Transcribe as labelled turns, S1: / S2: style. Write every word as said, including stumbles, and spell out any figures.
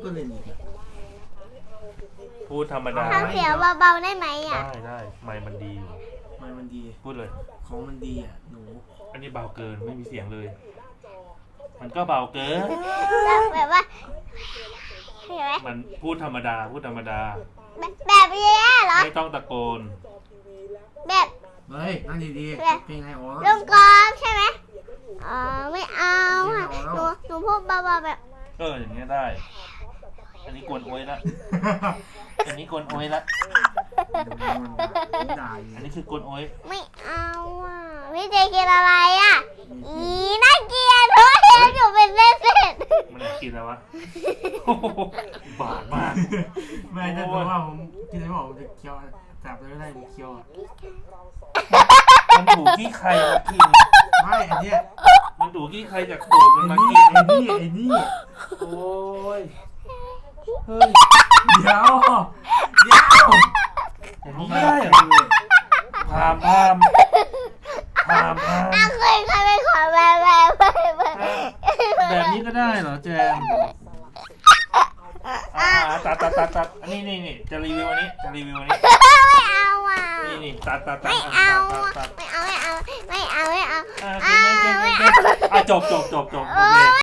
S1: ตัวเล่นอีก
S2: พูดธรรมดา
S3: ทำเสียงเบาๆได้ไหมอ่ะ
S2: ได้ได้ไมค์มันดีอยู่
S1: มันมันดี
S2: พูดเลย
S1: ของมันดีอ่ะหนู
S2: อันนี้เบาเกินไม่มีเสียงเลย มันก็เบาเกิน
S3: แบบว่าเห็นไหม
S2: มันพูดธรรมดาพูดธรรมดา
S3: แบบแบบนี้เหรอ
S2: ไม่ต้องตะโกน
S3: แบบ
S1: เฮ้ยนั่งดีๆเพลงไงอ๋อ
S3: ลงกรอบใช่ไหมอ๋อไม่เอาอ่ะหนูหนูพูดเบาๆแบบ
S2: เอออย่างเงี้ยได้ อันนี้กวนโอยละ อันนี้กวนโอยละ
S1: ด่าอยู่
S2: อันนี้คือกวนโอย
S3: ไม่เอาอ่ะพี่เจกินอะไรอ่ะอีน่าเกลียดทุกทีหนูเป็นเส้นเส้น
S2: มันกินแล้ววะโอ้โหบาดมาก
S1: แม่จะบอกว่าผมกินอะไรบอกผมจะเคี้ยวจับเลยไม่ได้ผมเคี้ยวอ่ะ
S2: มันถูกที่ใครมากิน
S1: ไม่อันเนี้ย
S2: มันถูกที่ใครจากตูดมันมา
S1: ไอ้
S2: กิ
S1: นี่
S2: น
S1: ไอ้นี่ไอ้นี่
S2: โอ้ยเฮ้ย
S1: เดี๋ยวเดี๋ยว
S2: อย่างนี้ไม่ได้เหรอพามพามพามพาม
S3: อ่ะเคยเคยไปขอแบบแบบแบบแบบ
S2: แบบนี้ก็ได้เหรอแจมอ่าตัดตัดตัดตัดอันนี้นี่นี่จะรีวิวอันนี้จะรีวิวอันนี้
S3: ไม่เอาอ่ะ
S2: นี่นี่ตัดตัดตัด
S3: ไม่
S2: ตัด
S3: เอา
S2: ตัด
S3: อ่ะ
S2: ตัด
S3: ไม่เอาไม่เอาไม่เอาไม่เอา
S2: อ่า
S3: อ่า
S2: เก่งเก่ง
S3: ไม่
S2: เก่ง
S3: เอา
S2: อ่ะจบจบจบจบโอ
S3: โอ้
S2: เค
S3: ย